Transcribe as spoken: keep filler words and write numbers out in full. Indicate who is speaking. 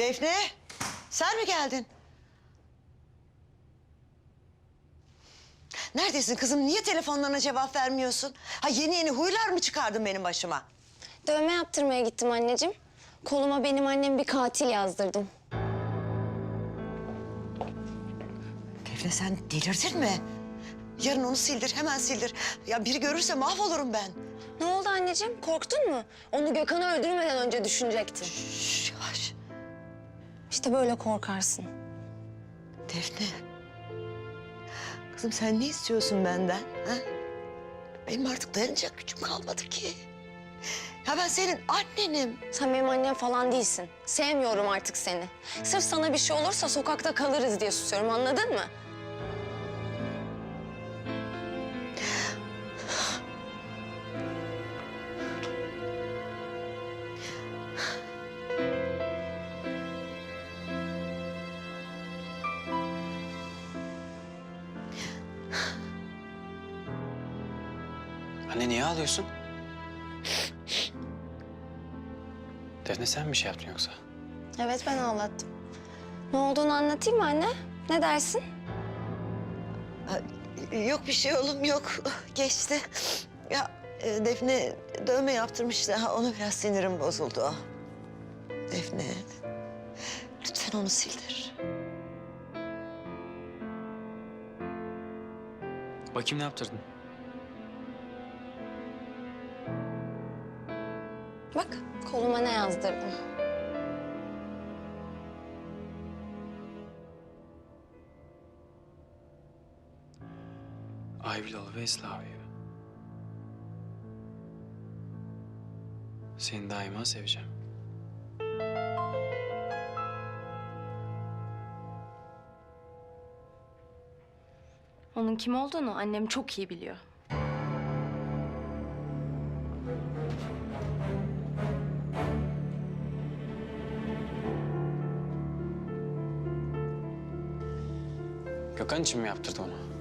Speaker 1: Defne, sen mi geldin? Neredesin kızım? Niye telefonlarına cevap vermiyorsun? Ha yeni yeni huylar mı çıkardın benim başıma?
Speaker 2: Dövme yaptırmaya gittim anneciğim. Koluma benim annem bir katil yazdırdım.
Speaker 1: Defne sen delirdin mi? Yarın onu sildir, hemen sildir. Ya biri görürse mahvolurum ben.
Speaker 2: Ne oldu anneciğim? Korktun mu? Onu Gökhan'ı öldürmeden önce düşünecektin.
Speaker 1: Şş, yavaş.
Speaker 2: İşte böyle korkarsın.
Speaker 1: Defne. Kızım sen ne istiyorsun benden? Ha? Benim artık dayanacak gücüm kalmadı ki. Ya ben senin annenim.
Speaker 2: Sen benim annem falan değilsin. Sevmiyorum artık seni. Sırf sana bir şey olursa sokakta kalırız diye susuyorum, anladın mı?
Speaker 3: Anne niye ağlıyorsun? Defne sen bir şey yaptın yoksa?
Speaker 2: Evet, ben ağlattım. Ne olduğunu anlatayım mı anne? Ne dersin?
Speaker 1: Ha, yok bir şey oğlum yok. Geçti. Ya e, Defne dövme yaptırmıştı. Ha, ona biraz sinirim bozuldu. Defne. Lütfen onu sildir.
Speaker 3: Bakayım ne yaptırdın?
Speaker 2: Bak, koluma ne yazdırdım.
Speaker 3: I will always love you. Seni daima seveceğim.
Speaker 4: Onun kim olduğunu annem çok iyi biliyor.
Speaker 3: Gökhan için mi yaptırdı onu?